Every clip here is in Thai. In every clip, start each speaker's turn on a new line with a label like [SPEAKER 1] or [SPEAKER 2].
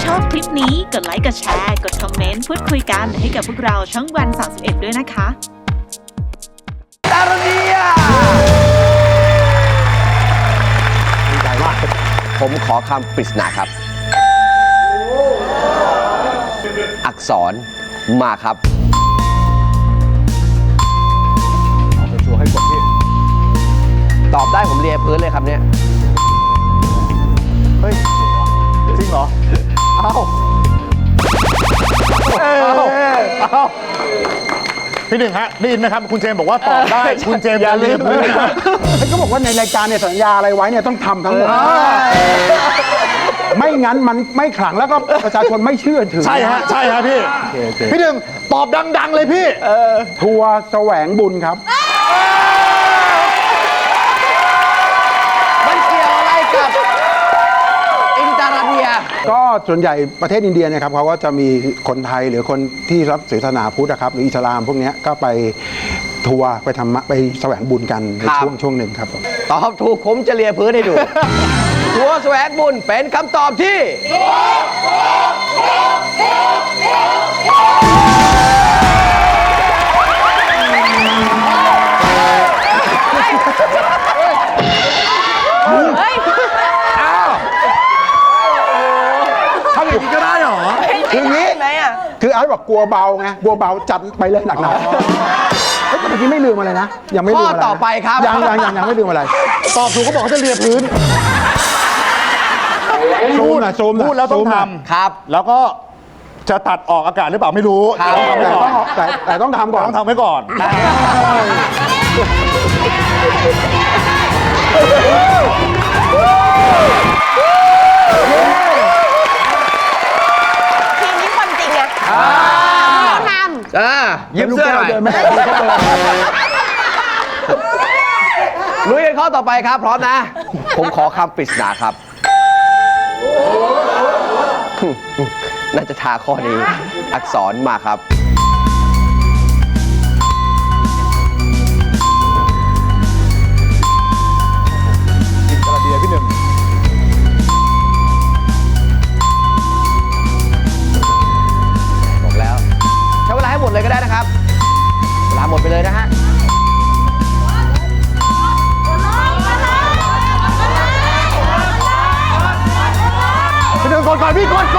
[SPEAKER 1] ชอบคลิปนี้กดไลค์กดแชร์กดคอมเมนต์พูดคุยกันให้กับพวกเราช่องวัน 31 ด้วยนะคะ
[SPEAKER 2] ดารเนียดีใจมากผมขอคำปริศนาครับ อักษรมาครับเอาชัวร์ให้กดพี่ตอบได้ผมเลียพื้นเลยครับเนี่ยเฮ้ยจริงเหรอเอ้า
[SPEAKER 3] พี่หนึ่งฮะได้ยินไหมครับคุณเจมส์บอกว่าตอบได้คุณเจมส์อย่าลืม
[SPEAKER 4] ก็บอกว่าในรายการเนี่ยสัญญาอะไรไว้เนี่ยต้องทำทั้งหมดไม่งั้นมันไม่ขลังแล้วก็ประชาชนไม่เชื่อถือ
[SPEAKER 3] ใช่ฮะใช่ฮะพี่พี่หนึ่งตอบดังๆเลยพี่
[SPEAKER 4] ทัวร์แสวงบุญครับ
[SPEAKER 2] มันเกี่ยวอะไรกับอินตาราเนีย
[SPEAKER 4] ก็ส่วนใหญ่ประเทศอินเดียเนี่ยครับเขาก็จะมีคนไทยหรือคนที่รับศาสนาพุทธนะครับหรืออิสลามพวกเนี้ยก็ไปทัวร์ไปทำไปแสวงบุญกันในช่วงหนึ่งครับผม
[SPEAKER 2] ตอบถูกผมจะเลียพื้นให้ดู ทัวร์แสวงบุญเป็นคำตอบที่
[SPEAKER 3] ทำอย่างนี้ก็ได้เหรอ
[SPEAKER 4] คืออย่างนี้คืออาร์ตบอกกลัวเบาไงกลัวเบาจัดไปเลยหนักๆเฮ้ยแต่เมื่อกี้ไม่ลืมอะไรนะยังไม่ลืมอะไร
[SPEAKER 2] ข้อต่อไปครับ
[SPEAKER 4] ยังไม่ลืมอะไร
[SPEAKER 3] ตอบถูกก็บอกเขาจะเลียพื้น
[SPEAKER 4] ซูมหน่อยซูมหน่อย
[SPEAKER 3] พูดแล้วต้อง
[SPEAKER 4] ซูมห
[SPEAKER 3] ท
[SPEAKER 4] น่อย
[SPEAKER 2] ครับ
[SPEAKER 3] ำแล้วก็จะตัดออกอากาศหรือเปล่าไม่รู้
[SPEAKER 2] ครับ
[SPEAKER 3] แต่ต้องทำไว้ก่อน
[SPEAKER 4] แต่ต้องทำก่อน
[SPEAKER 3] ต้องทำไว้ก่อน
[SPEAKER 5] ทีมนี้คนจริงไงท
[SPEAKER 2] ยิ้มเสื้อหน่อย
[SPEAKER 4] เดินไม่ได้ก็เดิน
[SPEAKER 2] ลุยกันข้อต่อไปครับ พร้อมนะ ผมขอคำปริศนาครับ น่าจะทาข้อนี้ อักษรมาครับ
[SPEAKER 3] อินตราเดียพี่หนึ่ง
[SPEAKER 2] บอกแล้ว ใช้เวลาให้หมดเลยก็ได้นะครับ เวลาหมดไปเลยนะฮะ
[SPEAKER 3] พี่หนึ่งก่อนพี่ก่อน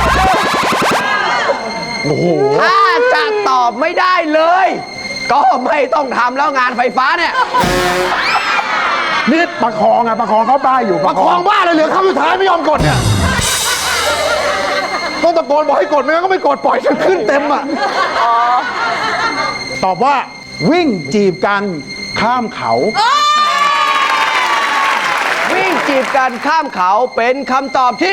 [SPEAKER 3] โอ้โห
[SPEAKER 2] ถ้าจะตอบไม่ได้เลย ก็ไม่ต้องทำแล้วงานไฟฟ้าเนี่ย
[SPEAKER 4] นี่ประคองประคองเขาป้ายอยู่
[SPEAKER 3] ประคองบ้าเลยเหลือคำสุดท้ายไม่ยอมกดเนี่ยต้องตะโกนบอกให้กดไม่งั้นก็ไม่กดปล่อยจนขึ้นเต็มอ่ะตอบว่า
[SPEAKER 4] วิ่งจีบกันข้ามเขา
[SPEAKER 2] วิ่งจีบกันข้ามเขาเป็นคำตอบที่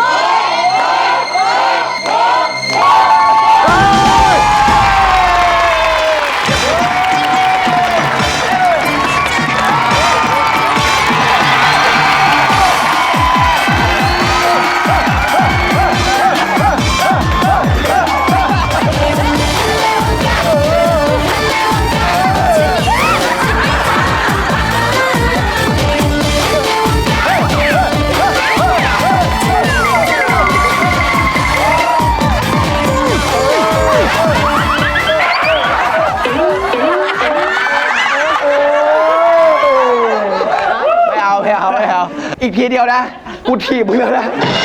[SPEAKER 2] ไม่เอา อีกทีเดียวนะ กูถีบมึงแล้วนะ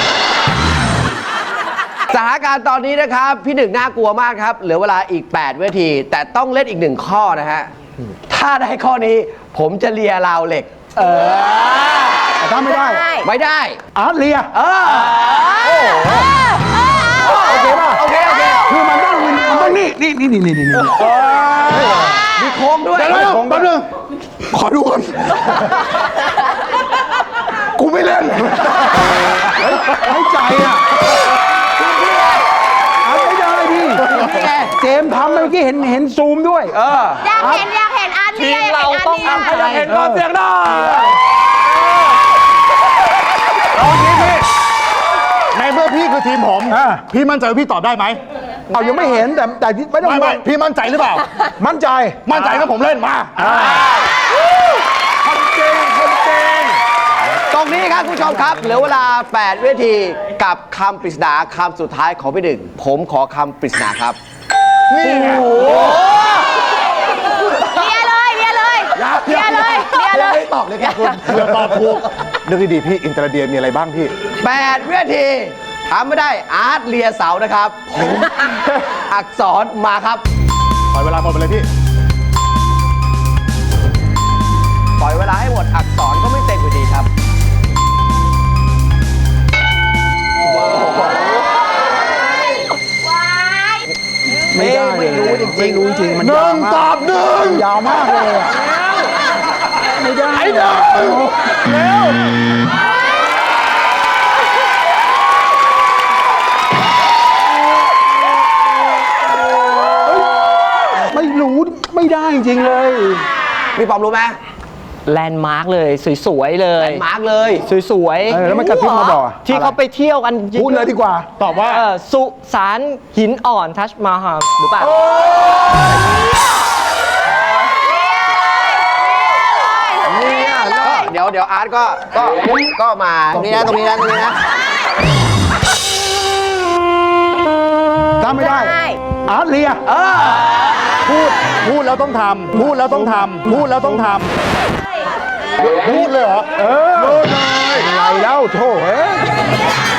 [SPEAKER 2] สถานการณ์ตอนนี้นะครับ พี่หนึ่งน่ากลัวมากครับ เหลือเวลาอีก 8 วินาที แต่ต้องเล่นอีก 1 ข้อนะฮะ ถ้าได้ข้อนี้ผมจะเลียราวเหล็ก
[SPEAKER 4] แต่ถ้าไม่ได้
[SPEAKER 2] ไม่ได้
[SPEAKER 4] อาร์ตเลีย
[SPEAKER 2] โอเคป่ะ โอเค
[SPEAKER 4] คือมันต้องวินมันต้องนี่
[SPEAKER 2] มีโค้งด้วย
[SPEAKER 3] เดี๋ยวแป๊บนึงขอดูก่อนกูไม่เล่น
[SPEAKER 4] ให้ใจอาร์ตไม่ได้ดิ
[SPEAKER 2] นี่ไง
[SPEAKER 4] เจมส์ทำเมื่อกี้เห็นซูมด้วย
[SPEAKER 5] ำอยากเห็นอาร์ตเนี่ยอยากเห็นอาร์ตเนี่ย
[SPEAKER 3] อยากเห็นความเสียงได้เอางี้พี่ในเมื่อพี่คือทีมผม พี่มั่นใจว่าพี่ตอบได้ไหม
[SPEAKER 4] เอายังไม่เห็นแต่ไม่ต้อง
[SPEAKER 3] ไม่พี่มั่นใจหรือเปล่า
[SPEAKER 4] มั่นใจ
[SPEAKER 3] มั่นใจก็ผมเล่นมา
[SPEAKER 2] ต้องนี้ครับคุณผู้ชมครับ เหลือเวลา 8 วินาทีกับคำปริศนาคำสุดท้ายของพี่หนึ่งผมขอคำปริศนาครับ
[SPEAKER 3] นี่ไง
[SPEAKER 5] เลียเลยเลียเลยเลียเลยเลียเลย
[SPEAKER 2] ไม่ตอบเลยครับคุณ
[SPEAKER 3] เพื่อตอบถูกนึกดีๆพี่อินเตอร์เดียมีอะไรบ้างพี่
[SPEAKER 2] 8 วินาทีทำไม่ได้อาร์ตเลียเสานะครับ อักษรมาครับ
[SPEAKER 3] ปล่อยเวลาหมดไปเลยพี่
[SPEAKER 2] ปล่อยเวลาให้หมดอักษรก็ไม่เต็มอยู่ดีครับ ไม่รู้จริงๆ
[SPEAKER 4] ไม่รู้จริงมัน
[SPEAKER 3] ห
[SPEAKER 4] ยา
[SPEAKER 3] นึ่
[SPEAKER 4] ว
[SPEAKER 3] ง
[SPEAKER 4] มาก
[SPEAKER 3] ตอบหนึ่ง
[SPEAKER 4] ยาวมากเลยอะไม่ได้
[SPEAKER 3] ไอ้หนึ่งเร็ว
[SPEAKER 4] ไม่รู้ไม่ได้จริงๆเลย
[SPEAKER 2] มีความรู้ไหม
[SPEAKER 6] แลนด์มาร์กเลย สวยๆเลย
[SPEAKER 2] มาร์กเลย
[SPEAKER 6] สวย
[SPEAKER 4] แล้วมันกระพริบมาบอก
[SPEAKER 6] ที่เขาไปเที่ยวกัน
[SPEAKER 4] พูดเลยดีกว่า
[SPEAKER 3] ตอบว่า
[SPEAKER 6] สุสานหินอ่อนทัชมาฮาลหรือเปล่า
[SPEAKER 2] ก็เดี๋ยวอาร์ตก็มาตรงนี้นะตรงนี้นะตรงนี้นะ
[SPEAKER 4] ถ้าไม่ได้
[SPEAKER 5] ได้
[SPEAKER 4] อาร์ตเลีย
[SPEAKER 3] พูดแล้วต้องทำพูดแล้วต้องทำพูดแล้วต้องทำพูดเลยเหรอ
[SPEAKER 4] พูดเลยอะไรแล้วโธ่เอ้ย